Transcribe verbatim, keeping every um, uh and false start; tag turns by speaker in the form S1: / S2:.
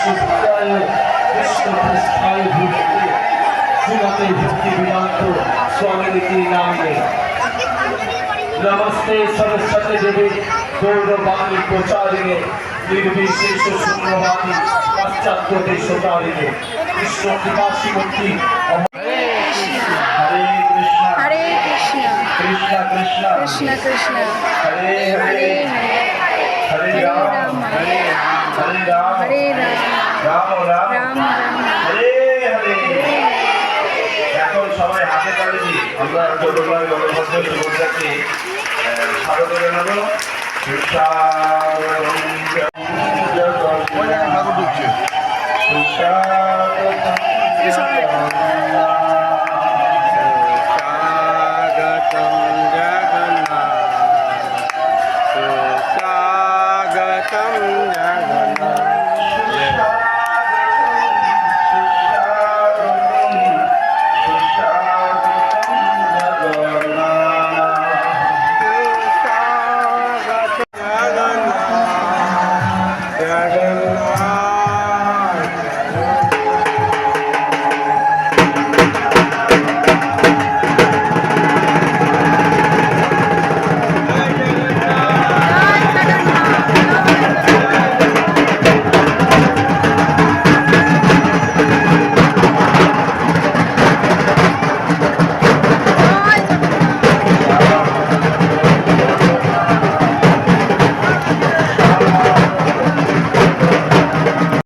S1: विष्णुपदाय विष्णुपृष्ठाय भूतले श्रीमते भक्ति वेदांत स्वामी के नाम में नमस्ते सरस्वती देवी गौरवाणी प्रचारिणे निर्विशेष शून्यवादी पाश्चात्य देशचारिणे कृष्ण कृपासी मुक्ति हरे कृष्णा
S2: हरे कृष्णा
S1: कृष्णा कृष्णा
S2: कृष्ण कृष्ण
S1: हरे
S2: हरे
S1: हरे
S2: हरे
S1: हरे राम
S2: हरे
S1: हरे राम
S2: हरे राम
S1: राम राम
S2: राम राम
S1: हरे हरे এখন সবাই হাতে তালি দিই আমরা গৌরবায় গণভদ্র সুভদ্রাকে স্বাগত জানাবো সুশান্ত